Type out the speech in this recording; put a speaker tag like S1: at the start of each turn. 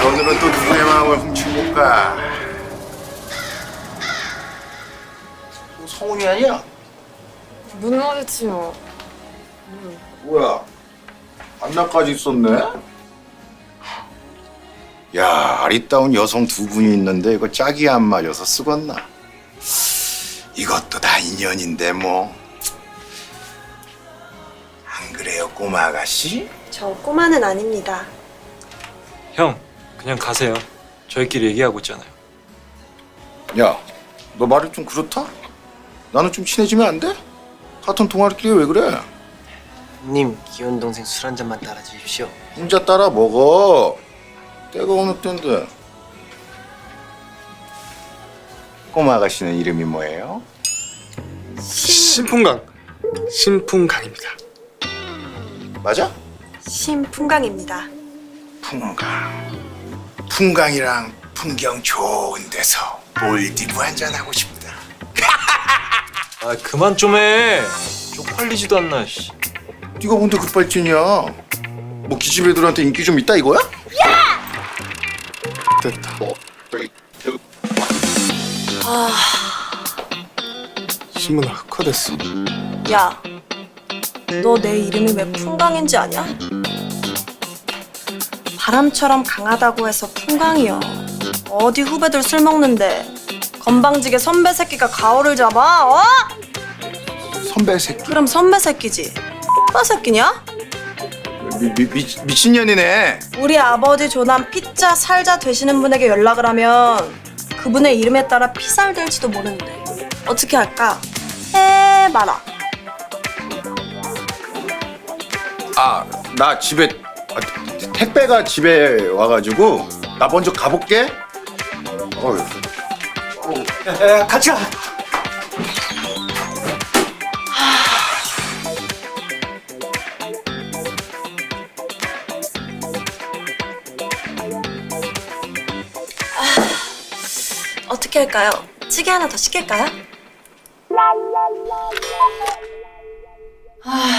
S1: 오늘은 또 누구의 마음을 훔쳐볼까? 성훈이 아니야?
S2: 문 마주치요.
S1: 뭐야? 안나까지 있었네? 야, 아리따운 여성 두 분이 있는데 이거 짝이 안 맞아서 쓰겄나? 이것도 다 인연인데 뭐. 안 그래요, 꼬마 아가씨?
S3: 저 꼬마는 아닙니다.
S4: 형, 그냥 가세요. 저희끼리 얘기하고 있잖아요.
S1: 야, 너 말이 좀 그렇다? 나는 좀 친해지면 안 돼? 같은 동아리끼리 왜 그래?
S5: 님, 귀여운 동생 술 한 잔만 따라 주십시오.
S1: 혼자 따라 먹어. 때가 어느 때인데. 꼬마 아가씨는 이름이 뭐예요?
S4: 신풍강입니다.
S1: 맞아?
S3: 심풍강입니다.
S1: 풍강. 풍강이랑 풍경 좋은 데서 몰디브 한잔 하고 싶다.
S4: 아, 그만 좀 해. 쪽팔리지도 않나, 씨.
S1: 네가 뭔데 급발진이야? 뭐 기집 애들한테 인기 좀 있다 이거야?
S4: 됐다. 신문아, 흑화됐어.
S3: 야, 너 내 이름이 왜 풍강인지 아냐? 바람처럼 강하다고 해서 풍강이여. 어디 후배들 술 먹는데 건방지게 선배 새끼가 가오를 잡아? 어?
S1: 선배 새끼.
S3: 그럼 선배 새끼지. 오빠 새끼냐?
S1: 미친년이네.
S3: 우리 아버지 조남 피자 살자 되시는 분에게 연락을 하면 그분의 이름에 따라 피살 될지도 모르는데 어떻게 할까? 해봐라.
S1: 아, 나 집에 택배가 집에 와가지고 나 먼저 가볼게. 어휴.
S5: 같이 가!
S3: 어떻게 할까요? 찌개 하나 더 시킬까요?